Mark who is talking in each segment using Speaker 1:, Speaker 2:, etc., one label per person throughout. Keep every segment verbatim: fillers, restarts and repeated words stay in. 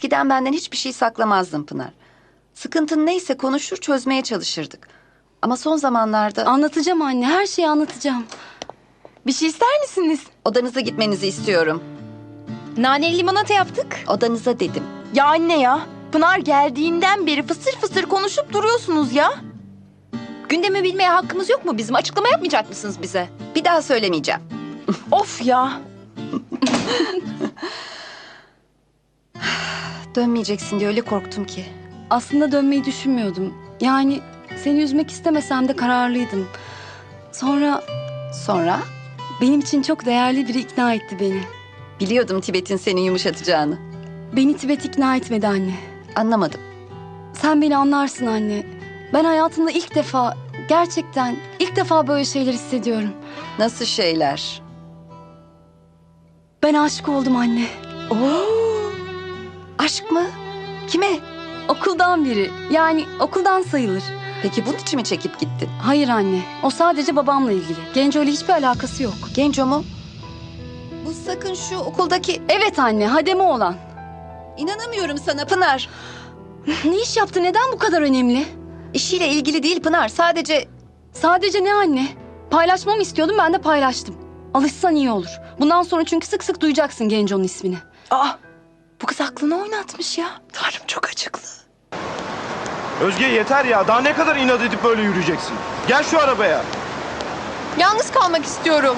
Speaker 1: Eskiden benden hiçbir şey saklamazdın Pınar. Sıkıntın neyse konuşur çözmeye çalışırdık. Ama son zamanlarda
Speaker 2: Anlatacağım anne, her şeyi anlatacağım.
Speaker 3: Bir şey ister misiniz?
Speaker 1: odanıza gitmenizi istiyorum.
Speaker 3: Naneli limonata yaptık.
Speaker 1: Odanıza dedim.
Speaker 3: Ya anne ya. Pınar geldiğinden beri fısır fısır konuşup duruyorsunuz ya. Gündemi bilmeye hakkımız yok mu bizim? Açıklama yapmayacak mısınız bize?
Speaker 1: Bir daha söylemeyeceğim.
Speaker 3: Of ya.
Speaker 1: Dönmeyeceksin diye öyle korktum ki.
Speaker 2: Aslında dönmeyi düşünmüyordum. Yani seni üzmek istemesem de kararlıydım. Sonra
Speaker 1: Sonra
Speaker 2: benim için çok değerli biri ikna etti beni.
Speaker 1: biliyordum Tibet'in seni yumuşatacağını.
Speaker 2: Beni Tibet ikna etmedi anne.
Speaker 1: Anlamadım.
Speaker 2: Sen beni anlarsın anne. Ben hayatımda ilk defa, gerçekten ilk defa böyle şeyler hissediyorum.
Speaker 1: Nasıl şeyler?
Speaker 2: Ben aşık oldum anne.
Speaker 1: Oo. Aşk mı? Kime?
Speaker 2: Okuldan biri. Yani okuldan sayılır.
Speaker 1: Peki bunun için mi çekip gittin?
Speaker 2: Hayır anne. O sadece babamla ilgili. Genco ile hiçbir alakası yok.
Speaker 1: Genco mu? Bu sakın şu okuldaki...
Speaker 2: Evet anne, hademe olan.
Speaker 1: İnanamıyorum sana Pınar.
Speaker 2: Ne iş yaptı? Neden bu kadar önemli?
Speaker 1: İşiyle ilgili değil Pınar. Sadece
Speaker 2: Sadece ne anne? Paylaşmamı istiyordum, ben de paylaştım. Alışsan iyi olur. Bundan sonra çünkü sık sık duyacaksın Genco'nun ismini.
Speaker 3: Aa, bu kız aklını oynatmış ya. Tanrım çok acıklı.
Speaker 4: Özge yeter ya. Daha ne kadar inat edip böyle yürüyeceksin? Gel şu arabaya.
Speaker 3: Yalnız kalmak istiyorum.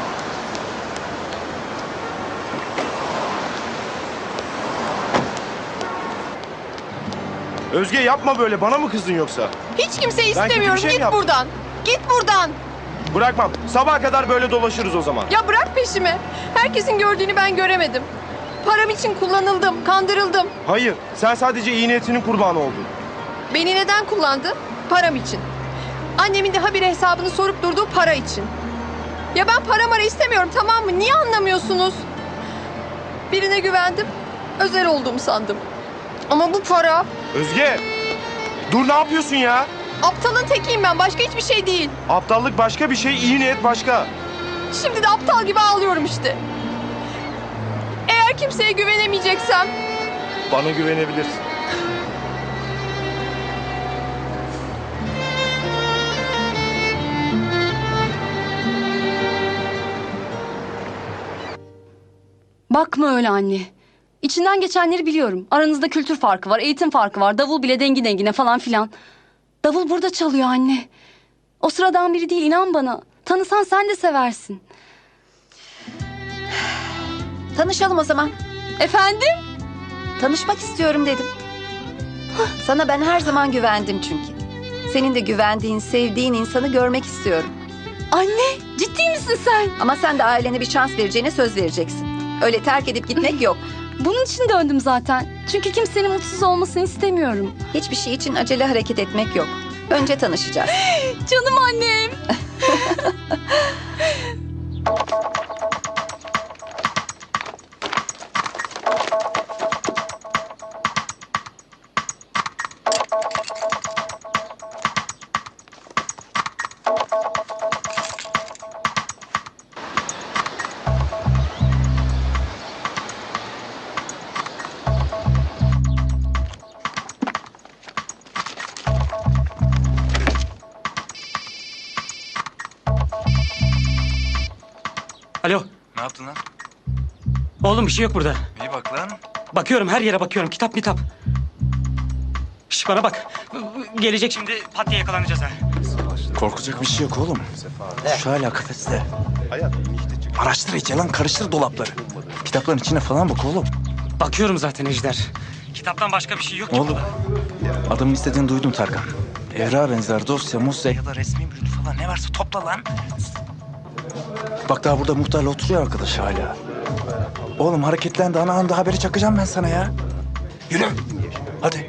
Speaker 4: Özge yapma böyle. Bana mı kızdın yoksa?
Speaker 3: Hiç kimseyi
Speaker 4: Ben kötü bir
Speaker 3: istemiyorum.
Speaker 4: şey mi
Speaker 3: Git
Speaker 4: yaptım?
Speaker 3: buradan. Git buradan.
Speaker 4: Bırakmam. Sabaha kadar böyle dolaşırız o zaman.
Speaker 3: Ya bırak peşimi. Herkesin gördüğünü ben göremedim. Param için kullanıldım, kandırıldım.
Speaker 4: Hayır. Sen sadece iyi niyetinin kurbanı oldun.
Speaker 3: Beni neden kullandı? Param için. Annemin de habire hesabını sorup durduğu para için. Ya ben para mara istemiyorum, tamam mı? Niye anlamıyorsunuz? Birine güvendim, özel olduğumu sandım. Ama bu para,
Speaker 4: Özge! Dur ne yapıyorsun ya?
Speaker 3: aptalın tekiyim ben, başka hiçbir şey değil.
Speaker 4: Aptallık başka bir şey, iyi niyet başka.
Speaker 3: Şimdi de aptal gibi ağlıyorum işte. Eğer kimseye güvenemeyeceksem,
Speaker 4: Bana güvenebilirsin.
Speaker 2: Bakma öyle anne. İçinden geçenleri biliyorum. Aranızda kültür farkı var, eğitim farkı var. Davul bile dengi dengine falan filan. Davul burada çalıyor anne. O sıradan biri değil, inan bana. Tanısan sen de seversin.
Speaker 1: tanışalım o zaman.
Speaker 2: Efendim?
Speaker 1: Tanışmak istiyorum dedim. Sana ben her zaman güvendim çünkü. Senin de güvendiğin, sevdiğin insanı görmek istiyorum.
Speaker 2: Anne, ciddi misin sen?
Speaker 1: Ama sen de ailene bir şans vereceğine söz vereceksin. Öyle terk edip gitmek yok.
Speaker 2: Bunun için döndüm zaten. Çünkü kimsenin mutsuz olmasını istemiyorum.
Speaker 1: Hiçbir şey için acele hareket etmek yok. Önce tanışacağız.
Speaker 2: Canım annem.
Speaker 5: Alo.
Speaker 6: Ne yaptın lan?
Speaker 5: Oğlum bir şey yok burada.
Speaker 6: İyi bak lan.
Speaker 5: Bakıyorum her yere bakıyorum. Kitap kitap. Şş bana bak. Gelecek şimdi pat diye yakalanacağız ha.
Speaker 6: Korkacak bir şey yok oğlum. Şu hala kafeste.
Speaker 4: Hayat inişte çık.
Speaker 6: Araştır iyice lan, karıştır dolapları. Kitapların içine falan bak oğlum.
Speaker 5: Bakıyorum zaten Ejder. Kitaptan başka bir şey yok ki
Speaker 6: Oğlum.
Speaker 5: burada.
Speaker 6: Adamın istediğini duydum Tarkan. Evra benzer dosya, musya ya da resmi bürüntü falan ne varsa topla lan. Bak daha burada muhtarla oturuyor arkadaş hala. Oğlum hareketlendi, ana anda haberi çakacağım ben sana ya. Yürü. Hadi.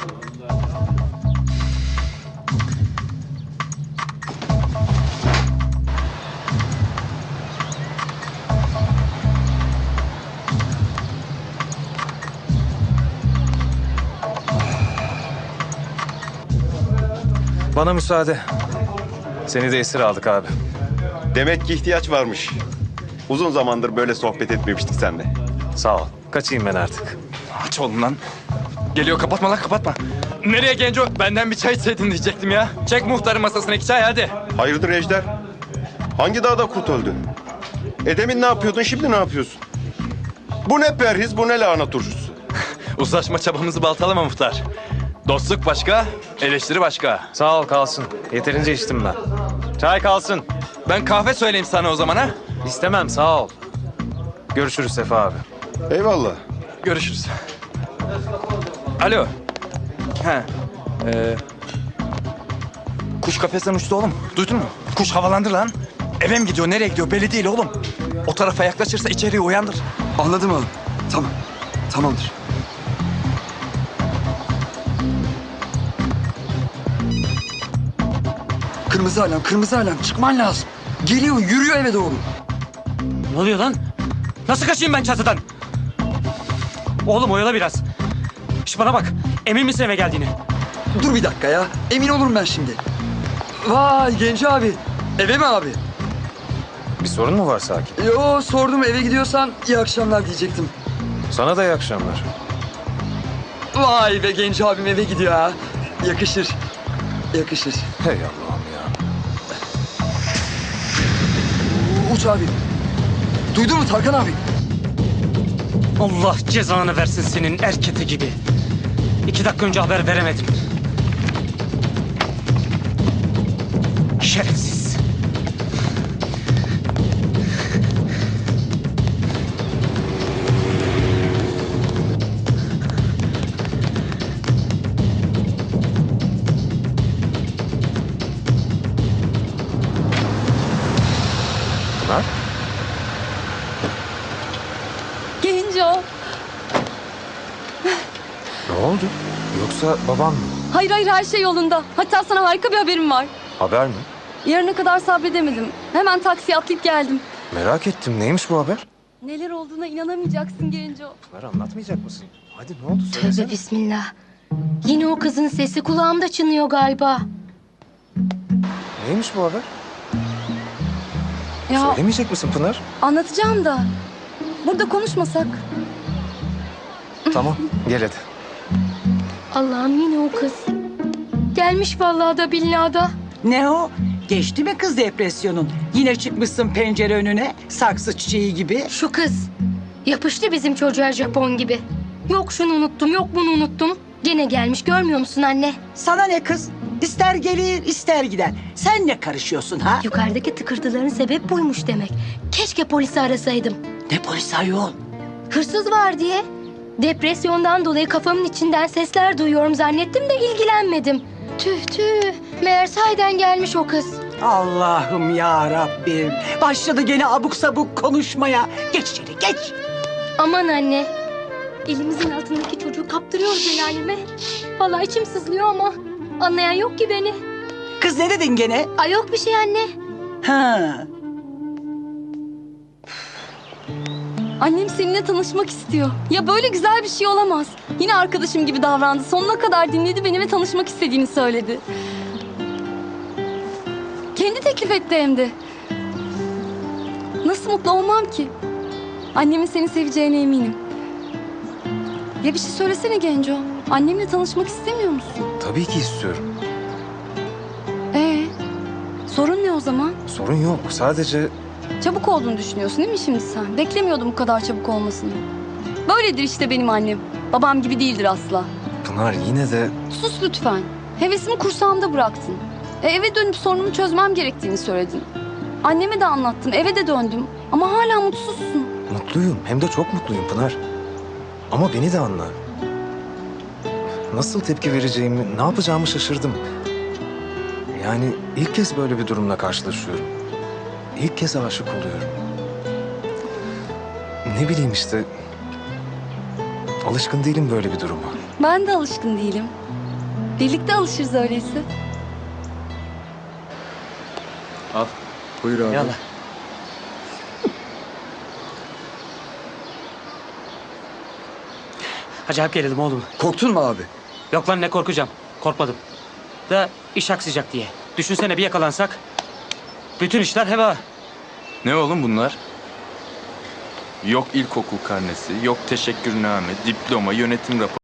Speaker 7: Bana müsaade. Seni de esir aldık abi.
Speaker 8: Demek ki ihtiyaç varmış. Uzun zamandır böyle sohbet etmemiştik seninle.
Speaker 7: Sağ ol. Kaçayım ben artık.
Speaker 6: Aç oğlum lan. Geliyor, kapatma lan, kapatma. Nereye Genco? Benden bir çay içseydin diyecektim ya. Çek muhtarın masasına iki çay hadi.
Speaker 8: Hayırdır Ejder? Hangi dağda kurt öldü? Edemin ne yapıyordun, şimdi ne yapıyorsun? Bu ne perhiz, bu ne lahana turşusu?
Speaker 6: Uzlaşma çabamızı baltalama muhtar. Dostluk başka, eleştiri başka.
Speaker 7: Sağ ol kalsın. Yeterince içtim ben. Çay kalsın.
Speaker 6: Ben kahve söyleyeyim sana o zaman ha.
Speaker 7: İstemem sağ ol. Görüşürüz Sefa abi.
Speaker 8: Eyvallah.
Speaker 6: Görüşürüz. Alo. He. Ee, kuş kafesten uçtu oğlum. Duydun mu? Kuş havalandı lan. Eve mi gidiyor, nereye gidiyor belli değil oğlum. O tarafa yaklaşırsa içeriye uyandır.
Speaker 9: Anladım oğlum. Tamam. Tamamdır. Kırmızı alarm, kırmızı alarm. Çıkman lazım. Geliyor, yürüyor eve doğru.
Speaker 5: Ne oluyor lan? Nasıl kaçayım ben çatıdan? Oğlum oyala biraz. Şş bana bak. Emin misin eve geldiğini?
Speaker 9: Dur bir dakika ya. Emin olurum ben şimdi. Vay Genco abi. Eve mi abi?
Speaker 7: Bir sorun mu var Sakin?
Speaker 9: Yo sordum, eve gidiyorsan iyi akşamlar diyecektim.
Speaker 7: Sana da iyi akşamlar.
Speaker 9: Vay be, Genco abim eve gidiyor ha. Yakışır. Yakışır.
Speaker 7: Hey Allah'ım ya.
Speaker 9: Uç abi. Duydun mu Tarkan abi?
Speaker 5: Allah cezanı versin senin erkete gibi. İki dakika önce haber veremedim. Şerefsiz.
Speaker 7: Pınar?
Speaker 2: Genco.
Speaker 7: Ne oldu? Yoksa babam mı?
Speaker 2: Hayır hayır her şey yolunda. Hatta sana harika bir haberim var.
Speaker 7: Haber mi?
Speaker 2: Yarına kadar sabredemedim. Hemen taksiye atlayıp geldim.
Speaker 7: Merak ettim. Neymiş bu haber?
Speaker 2: Neler olduğuna inanamayacaksın Genco.
Speaker 7: Pınar anlatmayacak mısın? Hadi ne oldu söylesene.
Speaker 10: Tövbe bismillah. Yine o kızın sesi kulağımda çınlıyor galiba.
Speaker 7: Neymiş bu haber?
Speaker 2: Ya
Speaker 7: Söylemeyecek misin Pınar?
Speaker 2: anlatacağım da. Burada konuşmasak.
Speaker 7: Tamam gel hadi.
Speaker 10: Allah'ım yine o kız. Gelmiş vallahi da billahi da.
Speaker 11: Ne o? Geçti mi kız depresyonun? Yine çıkmışsın pencere önüne saksı çiçeği gibi.
Speaker 10: Şu kız. Yapıştı bizim çocuğa Japon gibi. Yok şunu unuttum, yok bunu unuttum. Gene gelmiş, görmüyor musun anne?
Speaker 11: Sana ne kız? İster gelir ister gider. Sen ne karışıyorsun ha?
Speaker 10: Yukarıdaki tıkırtıların sebep buymuş demek. Keşke polisi arasaydım.
Speaker 11: Ne polis ayol?
Speaker 10: Hırsız var diye. Depresyondan dolayı kafamın içinden sesler duyuyorum zannettim de ilgilenmedim. Tüh tüh. Meğer sahiden gelmiş o kız.
Speaker 11: Allah'ım ya Rabbim. Başladı gene abuk sabuk konuşmaya. Geç içeri geç.
Speaker 10: Aman anne. Elimizin altındaki çocuğu kaptırıyoruz el aleme. Vallahi içim sızlıyor ama anlayan yok ki beni.
Speaker 11: Kız ne dedin gene?
Speaker 10: Ay yok bir şey anne.
Speaker 11: Ha.
Speaker 2: Annem seninle tanışmak istiyor. Ya böyle güzel bir şey olamaz. Yine arkadaşım gibi davrandı. Sonuna kadar dinledi beni ve tanışmak istediğini söyledi. Kendi teklif etti hem de. Nasıl mutlu olmam ki? Annemin seni seveceğine eminim. Ya bir şey söylesene Genco. Annemle tanışmak istemiyor musun?
Speaker 7: Tabii ki istiyorum.
Speaker 2: Ee, sorun ne o zaman?
Speaker 7: Sorun yok. Sadece
Speaker 2: Çabuk olduğunu düşünüyorsun değil mi şimdi sen? Beklemiyordum bu kadar çabuk olmasını. Böyledir işte benim annem. Babam gibi değildir asla.
Speaker 7: Pınar yine de
Speaker 2: Sus lütfen. Hevesimi kursağımda bıraktın. E, eve dönüp sorunumu çözmem gerektiğini söyledin. Anneme de anlattım, eve de döndüm. Ama hala mutsuzsun.
Speaker 7: mutluyum. Hem de çok mutluyum Pınar. Ama beni de anla. Nasıl tepki vereceğimi, ne yapacağımı şaşırdım. Yani ilk kez böyle bir durumla karşılaşıyorum. İlk kez aşık oluyorum. Ne bileyim işte. Alışkın değilim böyle bir duruma.
Speaker 2: Ben de alışkın değilim. Birlikte alışırız öyleyse.
Speaker 6: Al. Buyur abi.
Speaker 5: Yallah. Acayip gerildim oğlum.
Speaker 9: Korktun mu abi?
Speaker 5: Yok lan ne korkacağım. Korkmadım. Da iş aksayacak diye. Düşünsene bir yakalansak. Bütün işler heba.
Speaker 6: Ne oğlum bunlar? Yok ilkokul karnesi, yok teşekkürname, diploma, yönetim raporu.